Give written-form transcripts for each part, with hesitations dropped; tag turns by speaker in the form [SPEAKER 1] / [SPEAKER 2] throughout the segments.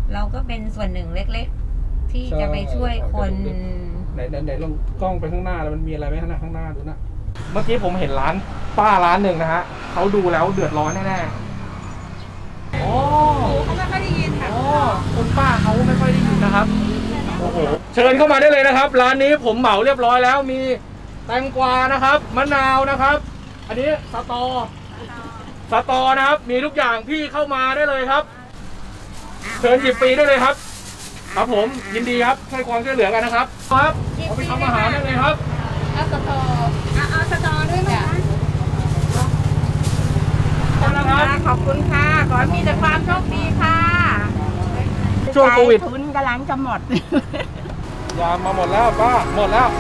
[SPEAKER 1] เราก็เป็นส่วนหนึ่งเล็กๆ ที่จะไปช่วยคน
[SPEAKER 2] ไหนลองกล้องไปข้างหน้าแล้วมันมีอะไรไหมข้างหน้าดูนะ
[SPEAKER 3] เมื่อกี้ผมเห็นร้านป้าร้านหนึ่งนะฮะเขาดูแล้วเดือดร้อนแน่ๆโอ้
[SPEAKER 1] เขาไม่ค่อยได้ยินค่ะ
[SPEAKER 3] โอ้คุณป้าเขาไม่ค่อยได้ยินนะครับโอ้โหเชิญเข้ามาได้เลยนะครับ ร้านนี้ผมเหมาเรียบร้อยแล้วมีแตงกวานะครับมะนาวนะครับ อันนี้สตอนะครับมีทุกอย่างพี่เข้ามาได้เลยครับเชิญหยิบฟรีได้เลยครับครับผมยินดีครับให้ความช่วยเหลือกันนะครับครับเอาไปทำอาหารได้เลยครับ
[SPEAKER 1] เอาสตอด้วยนะ
[SPEAKER 3] ขอบคุณนะครับ
[SPEAKER 1] ขอบคุณค่ะ ขอให้มีแต่ความโชคดีค่ะ
[SPEAKER 3] ช่วงโควิด
[SPEAKER 1] ทุนกำลังจะหมด
[SPEAKER 3] ยามาหมดแล้วป้าหมดแล้ว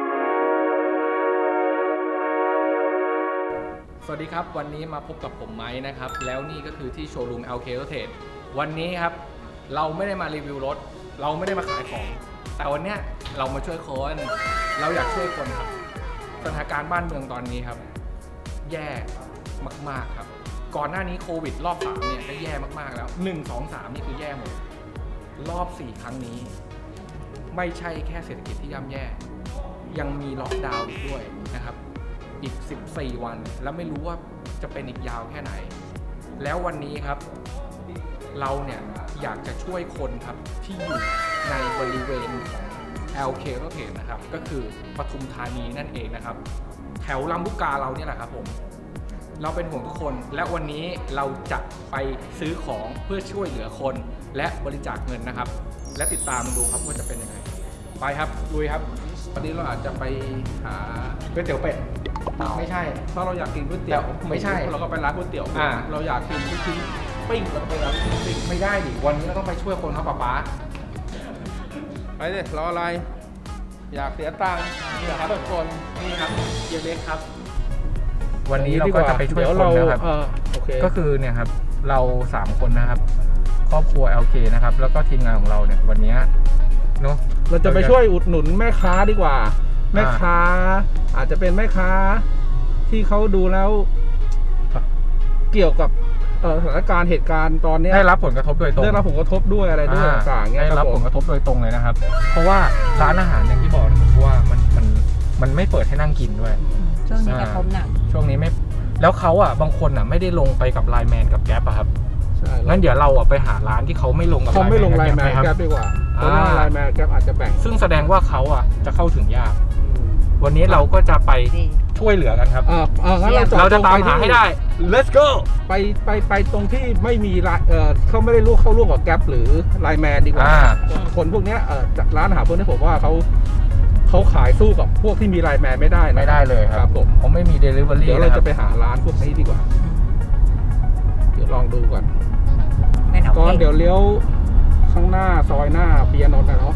[SPEAKER 3] สวัสดีครับวันนี้มาพบกับผมไม้นะครับแล้วนี่ก็คือที่โชว์รูม LK Auto Trade วันนี้ครับเราไม่ได้มารีวิวรถเราไม่ได้มาขายของแต่วันเนี้ยเรามาช่วยคนเราอยากช่วยคนครับสถานการณ์บ้านเมืองตอนนี้ครับแย่มากๆครับก่อนหน้านี้โควิดรอบ3เนี่ยก็แย่มากๆแล้ว1 2 3นี่คือแย่หมดรอบ4ครั้งนี้ไม่ใช่แค่เศรษฐกิจที่ย่ำแย่ยังมีล็อกดาวน์อีกด้วยนะครับอีก14วันแล้วไม่รู้ว่าจะเป็นอีกยาวแค่ไหนแล้ววันนี้ครับเราเนี่ยอยากจะช่วยคนครับที่อยู่ในบริเวณของ LK Auto Trade นะครับก็คือปทุมธานีนั่นเองนะครับแถวลำลูกกาเราเนี่ยแหละครับผมเราเป็นห่วงทุกคนและวันนี้เราจะไปซื้อของเพื่อช่วยเหลือคนและบริจาคเงินนะครับและติดตามดูครับว่าจะเป็นยังไงไปครับลุยครับ
[SPEAKER 2] วันนี้เราอาจจะไปหา
[SPEAKER 3] ก๋วยเตี๋ยวเป็ดไม่ใช่
[SPEAKER 2] ถ้าเราอยากกินก๋วยเตี๋ยว
[SPEAKER 3] ไม่ใช่
[SPEAKER 2] เราก็ไปร้านก๋วยเตี๋ยว เราอยากกินลูกชิ้นปิ้งเราก็ไปร้านลูกชิ้นปิ้ง
[SPEAKER 3] ไม่ได้ดิวันนี้เราต้องไปช่วยคนครับป๊า
[SPEAKER 2] ไปเลยรออะไร อยากเสียตังค์นี่แหละครับทุกคน
[SPEAKER 3] นี่ครับเยเล็กครับ วันนี้เราก็จะไปช่วยคนนะครับ
[SPEAKER 2] โอเค
[SPEAKER 3] ก็คือเนี่ยครับเรา3คนนะครับครอบครัว LK นะครับแล้วก็ทีมงานของเราเนี่ยวันนี้เนาะ
[SPEAKER 2] เราจะไปช่วยอุดหนุนแม่ค้าดีกว่า แม่ค้า อาจจะเป็นแม่ค้าที่เขาดูแล้ว เกี่ยวกับสถานการณ์เหตุการณ์ตอนนี้
[SPEAKER 3] ได้รับผลกระทบโดยตรง
[SPEAKER 2] ได้รับผลกระทบด้วยอะไรด้วยต่างๆเงี้ย
[SPEAKER 3] ได้รับผลกระทบโดยตรงเลยนะครับ เพราะว่าร้านอาหารอย่างที่บอกนะครับว่ามันไม่เปิดให้นั่งกินด้วย
[SPEAKER 1] ช่วงนี้กระทบหนัก
[SPEAKER 3] ช่วงนี้ไม่แล้วเขาอ่ะบางคนอ่ะไม่ได้ลงไปกับไลน์แมนกับแก๊ปอะครับ
[SPEAKER 2] ใช่
[SPEAKER 3] งั้นเดี๋ยวเราอ่ะไปหาร้านที่เขาไม่ลงกับ
[SPEAKER 2] เขาไม่ลงไลน์แมน
[SPEAKER 3] กับ
[SPEAKER 2] แก๊ปดีกว่าเพราะว่าไลน์แมนแก๊ปอาจจะแบ่ง
[SPEAKER 3] ซึ่งแสดงว่าเขาอ่ะจะเข้าถึงยาก วันนี้เราก็จะไป
[SPEAKER 1] ดี
[SPEAKER 3] ช่วยเหลือกันครับ
[SPEAKER 2] งั้น
[SPEAKER 3] เราจะตามหาให้ได้ let's go
[SPEAKER 2] ไปตรงที่ไม่มีเขาไม่ได้เข้าร่วมกับแก๊ปหรือไลน์แมนดีกว่า คนพวกเนี้ยร้านอาหารพวกนี้ผมว่าเขาขายสู้กับพวกที่มีไลน์แมนไม่ได้นะ
[SPEAKER 3] ไม่ได้เลยครับ ผมไม่มี delivery
[SPEAKER 2] เดี๋ยวเราจะไปหาร้านพวกนี้ดีกว่า เดี๋ยวลองดูก่อน
[SPEAKER 1] เป็นเอา
[SPEAKER 2] ตอนเดี๋ยวเลี้ยวข้างหน้าซอยหน้าเปียโนนท์นะเนาะ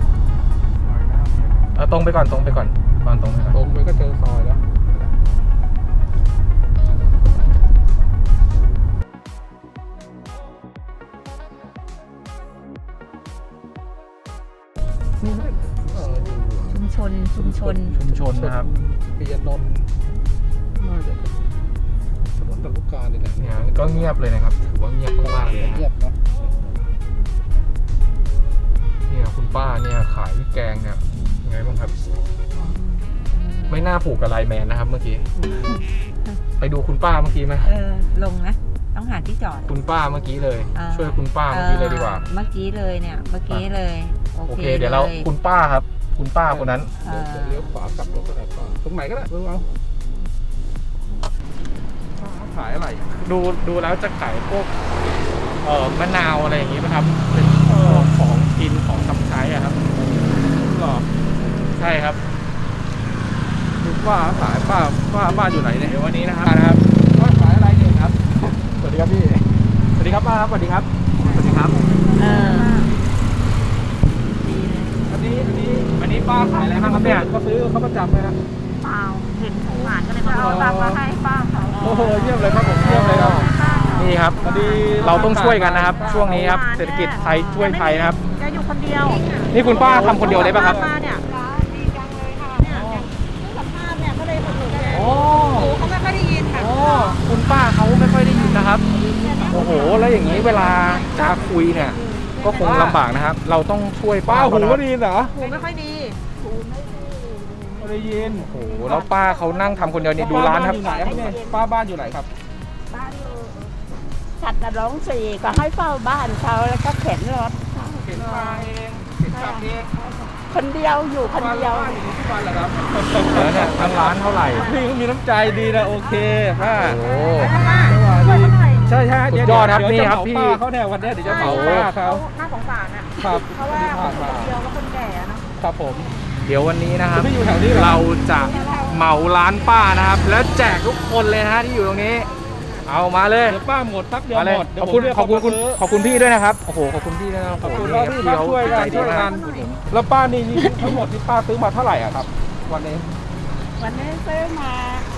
[SPEAKER 3] ตรงไปก่อนตรงไปก่อนตรงไปก่อน
[SPEAKER 2] ตรงไปก็เจอซอยแล้วนี่ไม่อยู่
[SPEAKER 1] ชุมชน
[SPEAKER 3] ชุมชนนะครับ
[SPEAKER 2] เปียโนนท์น่าจะเป็นถนนตะลุกกาเนี่ยแหละ
[SPEAKER 3] เนี่ยก็เงียบเลยนะครับถือว่าเงียบมากๆเลยนะ
[SPEAKER 2] เงียบเนาะ
[SPEAKER 3] เนี่ยคุณป้าเนี่ยขายแกงเนี่ยยังไงบ้างครับ ไม่น่าผูกกับไลน์แมนนะครับเมื่อกี้ ไปดูคุณป้าเมื่อกี้ไหม
[SPEAKER 1] ลงนะ ต้องหาที่จอด
[SPEAKER 3] คุณป้าเมื่อกี้เลย ช่วยคุณป้าเมื่อกี้เลยดีกว่า
[SPEAKER 1] เมื่อกี้เลยเนี่ย เมื่อกี้เลย
[SPEAKER 3] โอเคเดี๋ยวเราคุณป้าครับ คุณป้าคนนั้น
[SPEAKER 2] เดี๋ยวเลี้ยวขวากลับรถก็ได้ก่อนตรงไหนก็ได้เอาขายอะไร
[SPEAKER 3] ดูแล้วจะขายพวกมะนาวอะไรอย่างงี้ไหมครับ เป็นของกินของทำใช้อะครับ
[SPEAKER 2] หรอ
[SPEAKER 3] ใช่ครับ
[SPEAKER 2] ป้าขายป้าอยู่ไหนเนี่ย
[SPEAKER 3] เดี๋ยววันนี้นะครับ
[SPEAKER 2] ป้าขายอะไรเนี่ยครับ
[SPEAKER 3] สวัสดีครับพี่สวัสดีครับป้าครับสวัสดีครับสวัสดีครับ
[SPEAKER 2] อันนี้
[SPEAKER 3] ป้าขายอะไรบ้างครับเนี่ย
[SPEAKER 2] เขาซื้อเขาประจำไหมครับ
[SPEAKER 1] เปล่าเห็นของหวานก็เลยมาเอาตังค์มาให้ป้าเขา
[SPEAKER 2] โอ้โหเยี่ยมเลยครับผมเยี่ยมเลยครับ
[SPEAKER 3] นี่ครับเราต้องช่วยกันนะครับ ช่วงนี้ครับเศรษฐกิจไทยช่วยไทยนะครับ
[SPEAKER 1] แกอยู่คนเดียว
[SPEAKER 3] นี่คุณป้าทำคนเดียวได้ป่ะครับ
[SPEAKER 1] มาเนี่ยดีจังเลยค่ะเนี่ยสัมภาษณ์เนี่ยก็เลยมาถูกแก
[SPEAKER 3] โอ้
[SPEAKER 1] เขาไม่ค่อยได้ยินค่ะ
[SPEAKER 3] โอ้คุณป้าเขาไม่ค่อยได้ยินนะครับ โอ้โหแล้วอย่างนี้เวลาจะคุยเนี่ยก็คงลำบากนะครับ เราต้องช่วย
[SPEAKER 2] ป้า
[SPEAKER 3] ป้า
[SPEAKER 2] หู
[SPEAKER 3] เขา
[SPEAKER 2] ก็
[SPEAKER 3] นะ
[SPEAKER 2] ดีเหรอ
[SPEAKER 1] หูไม่ค่อยดี
[SPEAKER 2] ไม่ได้ยิน
[SPEAKER 3] โอ้โหแล้วป้าเขานั่งทำคนเดียวนี่ดูร้านครับ
[SPEAKER 2] อยู่ไหนครับเนี่ยป้าบ้านอยู่ไหนครับ
[SPEAKER 4] บ้านอยู่สัตว์นรงค์สี่ก็ให้เฝ้าบ้านเขาแล้วก็เข็นรถ
[SPEAKER 2] เห็นมาเองเห็นกลับเอง
[SPEAKER 4] คนเดียวอยู่คนเดียว
[SPEAKER 2] ป้าอยู่ที่บ้านเหรอครับ
[SPEAKER 3] แล้วเนี่ยทั้งร้านเท่าไหร่
[SPEAKER 2] พี่ก็มีน้ำใจดีนะโอเคป้า
[SPEAKER 3] โอ้โห
[SPEAKER 2] ใช่ใช่
[SPEAKER 3] สุดยอดครับนี่ครับพี่
[SPEAKER 2] ป้าเขาเนี่ยวันนี้เดี๋ยวจะเหมาป้าเขา
[SPEAKER 1] น่าสงสารอ่ะ
[SPEAKER 2] ครับ
[SPEAKER 1] เพราะว่าคนเดียวก็คนแก่อะเนาะ
[SPEAKER 2] ครับผม
[SPEAKER 3] เดี๋ยววันนี้นะครับ
[SPEAKER 2] พี่อยู่แถวนี้เหรอ
[SPEAKER 3] เราจะเหมาร้านป้านะครับ แล้วแจกทุกคนเลยนะฮะที่อยู่ตรงนี้ เอามาเลย
[SPEAKER 2] เดี๋ยวป้าหมดทักเดียว
[SPEAKER 3] มาเลย
[SPEAKER 2] หมดเดี๋ย
[SPEAKER 3] ข
[SPEAKER 2] ว
[SPEAKER 3] อบคุณ
[SPEAKER 2] ผมเรียก
[SPEAKER 3] ขอบคุณ
[SPEAKER 2] เขามาซื้อ
[SPEAKER 3] ขอบคุณพี่ด้วยนะครับโอ้โหขอบคุณพี่ด้วยนะครับ
[SPEAKER 2] ขอบคุณ
[SPEAKER 3] โโห
[SPEAKER 2] ครับพี่ครับช่วยกัน
[SPEAKER 3] ใจดี
[SPEAKER 2] ช่วย
[SPEAKER 3] มา
[SPEAKER 2] กั
[SPEAKER 3] ก
[SPEAKER 2] นแล้วป้านี่ทั้งหมดที่ป้าซื้อมาเท่าไหร่อะครับ วันนี้
[SPEAKER 4] วันนี้ซื้อมา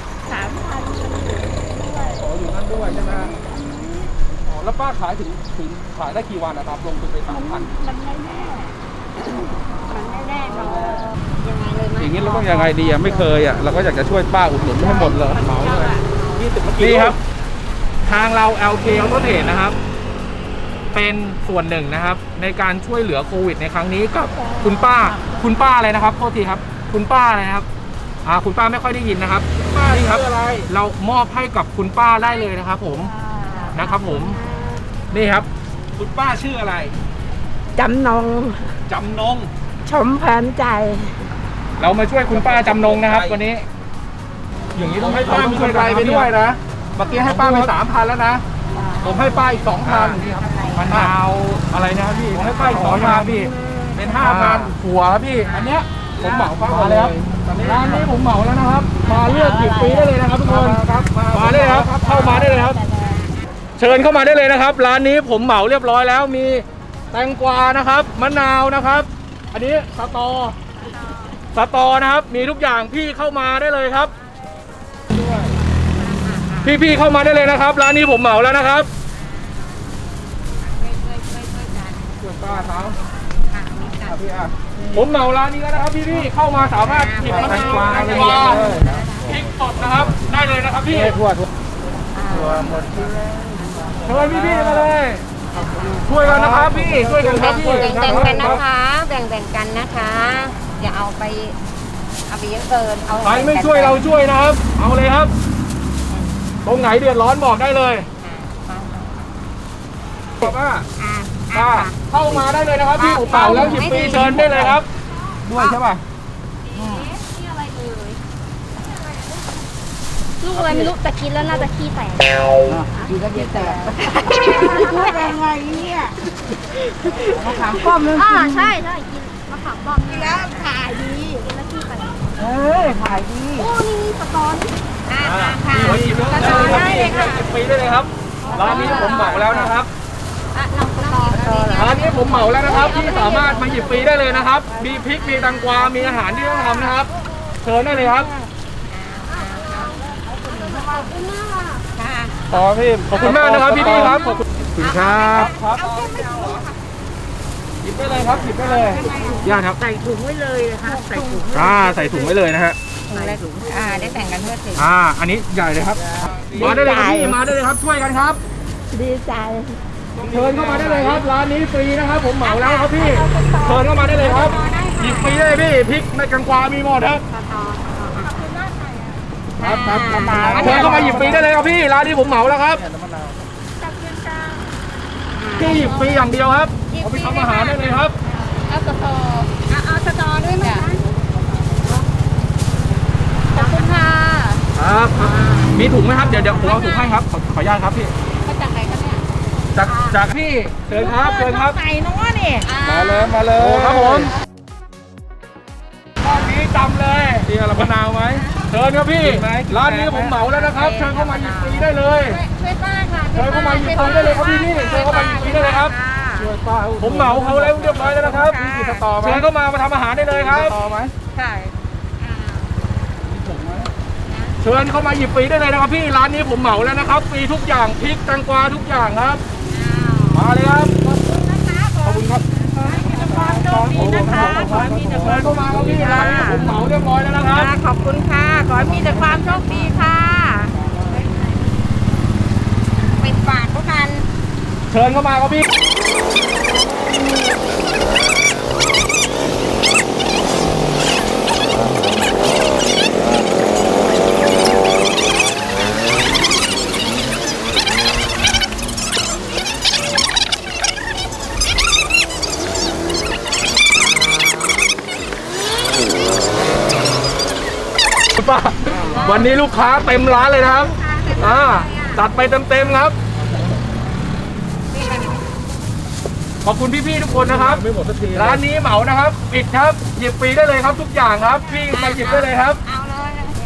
[SPEAKER 4] 3,000ด้วย
[SPEAKER 2] อ๋ออยู่นั่นด้วยใช่ไหมอ๋อแล้วป้าขายถึงขายได้กี่วันนะครับ ลงทุนไป3,000
[SPEAKER 4] มันไม่แน่มันไม่แน่นอนยังไงเลยไหม
[SPEAKER 2] อย่างนี้เราต้องยังไงดีอะไม่เคยอะเราก็อยากจะช่วยป้าอุดหนุนให้หมดเลยเหมาเลย20 เมื่อกี้
[SPEAKER 3] นี่ครับ ทางเรา LK Auto Trade นะครับ เป็นส่วนหนึ่งนะครับ ในการช่วยเหลือโควิดในครั้งนี้กับคุณป้าอะไรนะครับโทษทีครับ คุณป้าอะไรนะครับคุณป้าไม่ค่อยได้ยินนะครับ
[SPEAKER 2] ป้า
[SPEAKER 3] นี่ครับ
[SPEAKER 2] ชื่ออะไร
[SPEAKER 3] เรามอบให้กับคุณป้าได้เลยนะครับ ผมนะครับ ผมนี่ครับ
[SPEAKER 2] คุณป้าชื่ออะไร
[SPEAKER 4] จำนง
[SPEAKER 2] จำนง
[SPEAKER 4] ชมเพลินใจ
[SPEAKER 3] เรามาช่วยคุณป้าจำนงนะครับ วันนี้
[SPEAKER 2] อย่างนี้ต้องให้ป้ามีกำไรไปด้วยนะเมื่อกี้ให้ป้าไป3,000แล้วนะผมให้ป้าอีก 2,000
[SPEAKER 3] นี่ครับมะนาวอะไรนะครับพี่
[SPEAKER 2] ผมให้ป้าอีก
[SPEAKER 3] ขอ
[SPEAKER 2] 2,000
[SPEAKER 3] พี่
[SPEAKER 2] เป็น
[SPEAKER 3] 5,000หัวครับพี่
[SPEAKER 2] อันเนี้ยผมเหมาป้า
[SPEAKER 3] มาเลยครับ
[SPEAKER 2] ตอนนี้
[SPEAKER 3] ร้านนี้ผมเหมาแล้วนะครับ มาเลือกหยิบฟรีได้เลยนะครับทุกคน
[SPEAKER 2] ครับ
[SPEAKER 3] มาได้เลยครับ เข้ามาได้เลยครับ เชิญเข้ามาได้เลยนะครับ ร้านนี้ผมเหมาเรียบร้อยแล้ว มีแตงกวานะครับ มะนาวนะครับ อันนี้สตอนะครับ มีทุกอย่างพี่เข้ามาได้เลยครับ พี่เข้ามาได้เลยนะครับ ร้านนี้ผมเหมาแล้วนะครับ
[SPEAKER 2] ช่วยป้าเขาพี่อ่ะ
[SPEAKER 3] ผมเหมาร้านนี้แล้วนะครับพี่เข้ามาสามารถหยิบมะนาวแตงกวาพริกสดนะครับ ได้เลยนะครับพี่
[SPEAKER 2] ทั่ว
[SPEAKER 3] เชิญพี่มาเลย ช่วยกันนะครับพี่ ช่วยกันครับพี่
[SPEAKER 5] แบ่งๆกันนะคะ แบ่งๆกันนะคะ อย่าเอาไปเยอะเกิน เอา
[SPEAKER 3] ใครไม่ช่วยเราช่วยนะครับ เอาเลยครับ ตรงไหนเดือดร้อนบอกได้เลยป้า
[SPEAKER 5] อ่า
[SPEAKER 3] เข้ามาได้เลยนะครับพี่ผมเป่าแล้วหยิบฟรีเชิญได้เลยครับ
[SPEAKER 2] ด้วยใช่ป่ะ
[SPEAKER 5] ลูกอะไรไม่รู้แต่กินแล้วน่าจะขี้แตก
[SPEAKER 4] พูดยังไงเนี่ยมะขามป้อมนั่น
[SPEAKER 5] ใช่กินมะขามป้อมนี่
[SPEAKER 4] แล้วขายดี
[SPEAKER 5] กินแล้วขี้แตก
[SPEAKER 4] ขายดี
[SPEAKER 5] โอ้นี่สตอนค่ะ
[SPEAKER 3] พี่เขาหยิบได้เลยครับหยิบฟรีได้เลยครับ ร้านนี้ผมเหมาแล้วนะครับ
[SPEAKER 5] เราสตอ
[SPEAKER 3] ร้านนี้ผมเหมาแล้วนะครับที่สามารถมาหยิบฟรีได้เลยนะครับ มีพริก มีแตงกวา มีอาหารที่ต้องทำนะครับ เชิญได้เลยครับ
[SPEAKER 5] ค่ะ
[SPEAKER 2] ขอพี่
[SPEAKER 3] ขอบคุณมากนะครับพี่ครับ ขอบคุณครับ
[SPEAKER 2] ครับหยิบได้เลยครับหยิบได้เลย
[SPEAKER 3] ญาติครับ
[SPEAKER 4] ใส่ถุงไว้เลยนะคะใส่ถุง
[SPEAKER 3] ใส่ถุงไว้เลยนะฮะ
[SPEAKER 5] ได้แบ่งกันเพื่อสิ
[SPEAKER 3] อันนี้ใหญ่เลยครับ มาได้เลยครับพี่ มาได้เลยครับ ช่วยกันครับ
[SPEAKER 4] ดีใจ
[SPEAKER 3] เชิญเข้ามาได้เลยครับ ร้านนี้ฟรีนะครับ ผมเหมาแล้วครับพี่ เชิญเข้ามาได้เลยครับ หยิบฟรีได้เลยพี่พริกในกังกวามีหมดครับ
[SPEAKER 2] ครับ
[SPEAKER 3] เชิญเข้ามาหยิบฟรีได้เลยครับพี่ ร้านนี้ผมเหมาแล้วครับพี่หยิบฟรีอย่างเดียวครับเอาไปทำอาหารได้เลยครับ
[SPEAKER 5] เอาสตอด้วยไหมคะขอบคุณค่ะ
[SPEAKER 3] ครับ มีถุงไหมครับ เดี๋ยวผมเอาถุงให้ครับ ขออนุญาตครับพี่
[SPEAKER 5] มาจากไหนคะเนี่ย
[SPEAKER 3] จากพี่ เชิญครับ เชิญครับ
[SPEAKER 4] ใส่น้อนี่
[SPEAKER 2] มาเลย
[SPEAKER 3] โอ้ครับผมรอบนี้จำเลย
[SPEAKER 2] พี่เอามะนาวไหม
[SPEAKER 3] เชิญครับพี่
[SPEAKER 2] กินไหม
[SPEAKER 3] ร้านนี้ผมเหมาแล้วนะครับ เชิญเข้ามาหยิบฟรีได้เลย
[SPEAKER 5] ช่วยป้าค่ะ
[SPEAKER 3] เชิญเข้ามาหยิบฟรีได้เลยครับพี่นี่เชิญเข้ามาหยิบฟรีได้เลยครับ
[SPEAKER 2] ช่วยป้า
[SPEAKER 3] ผมเหมาเขาแล้วเรียบร้อยแล้วนะครับ
[SPEAKER 2] มีกี่สตอไหม
[SPEAKER 3] เชิญเข้ามาทำอาหารได้เลยครับ
[SPEAKER 2] สตอไหม
[SPEAKER 5] ใช่
[SPEAKER 2] มีถุงไหม
[SPEAKER 3] เชิญเข้ามาหยิบฟรีได้เลยนะครับพี่ ร้านนี้ผมเหมาแล้วนะครับ ฟรีทุกอย่าง พริก แตงกวาทุกอย่างครับ มาเลยครับ ขอบคุณครับ
[SPEAKER 4] ความโชคดีนะคะขอให้มีแต่ค
[SPEAKER 3] เชิ
[SPEAKER 4] วา
[SPEAKER 3] ญ
[SPEAKER 4] ม
[SPEAKER 3] เข้ามาครับพี่ ร้านนี้ผมเหมาเรียบร้อยแล้วนะครับ
[SPEAKER 4] ขอบคุณค่ะ ขอให้มีแต่ความโชคดีค่ะ
[SPEAKER 5] ไปฝากพวกกัน
[SPEAKER 3] เชิญเข้ามาครับพี่คุณป้าวันนี้ลูกค้าเต็มร้านเลยนะครับจัดไปเต็มๆครับขอบคุณพี่ๆทุกคนนะครับ
[SPEAKER 2] ไม่หมดสักที
[SPEAKER 3] ร้านนี้เหมานะครับปิดครับหยิบฟรีได้เลยครับทุกอย่างครับพี่มาหยิบได้เลยครับ
[SPEAKER 5] เอาเลย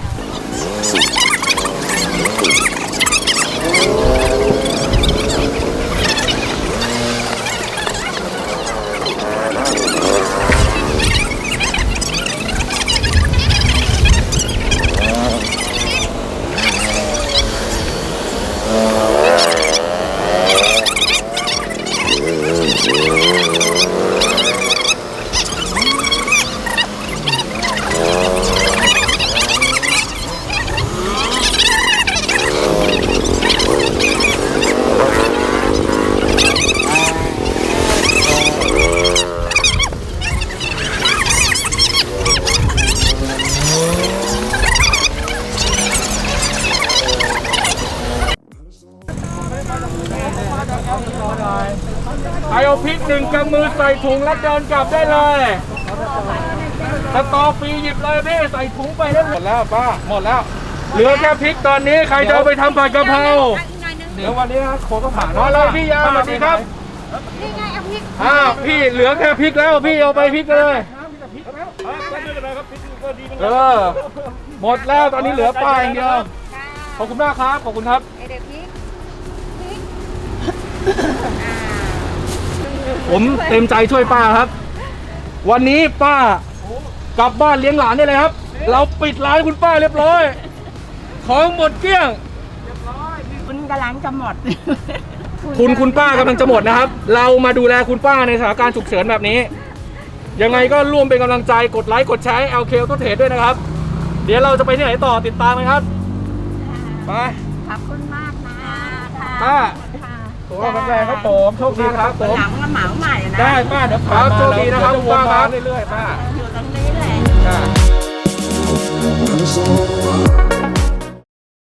[SPEAKER 3] ใครเอาพริก1 กำมือใส่ถุงแล้วเดินกลับได้เลยสตอฟรีหยิบเลยพี่ใส่ถุงไปได้
[SPEAKER 2] หมดแล้วป้าหมดแล้ว
[SPEAKER 3] เหลือแค่พริกตอนนี้ใครจะเอาไปทำผัดกะเพรา
[SPEAKER 2] เดี๋ยววันนี้นะโคก็ผ่าน
[SPEAKER 3] มาเลยพี่ยาสวัสดีครับ
[SPEAKER 5] นี่ไงเอาพริก
[SPEAKER 3] พี่เหลือแค่พริกแล้วพี่เอาไปพริกเลยหมดแล้วตอนนี้เหลือป้าอย่างเดียวขอบคุณมากครับขอบคุณครับ
[SPEAKER 5] ไอเด็กพริก
[SPEAKER 3] ผมเต็มใจช่วยป้าครับ วันนี้ป้ากลับบ้านเลี้ยงหลานได้เลยครับ เราปิดร้านคุณป้าเรียบร้อยของหมดเกลี้ยง
[SPEAKER 4] คุณกำลังจะหมด
[SPEAKER 3] คุณป้ากำลังจะหมดนะครับ เรามาดูแลคุณป้าในสถานการณ์ฉุกเฉินแบบนี้ ยังไงก็ร่วมเป็นกำลังใจกดไลค์กดแชร์ LK Auto Trade ด้วยนะครับ เดี๋ยวเราจะไปที่ไหนต่อติดตามกันครับไป
[SPEAKER 4] ขอบคุณมากนะ
[SPEAKER 3] ป้า
[SPEAKER 2] ตัวแข็งแรงครับผมโชคดีครับผม
[SPEAKER 4] หลังมาเหมาใหม่นะ
[SPEAKER 2] ได้ป้าเดี๋ยว
[SPEAKER 3] ครับโชคดีนะครับคุณป้าครับ
[SPEAKER 2] เรื่อยๆป้า
[SPEAKER 4] อยู่ตรงนี้แหละ
[SPEAKER 2] จ้า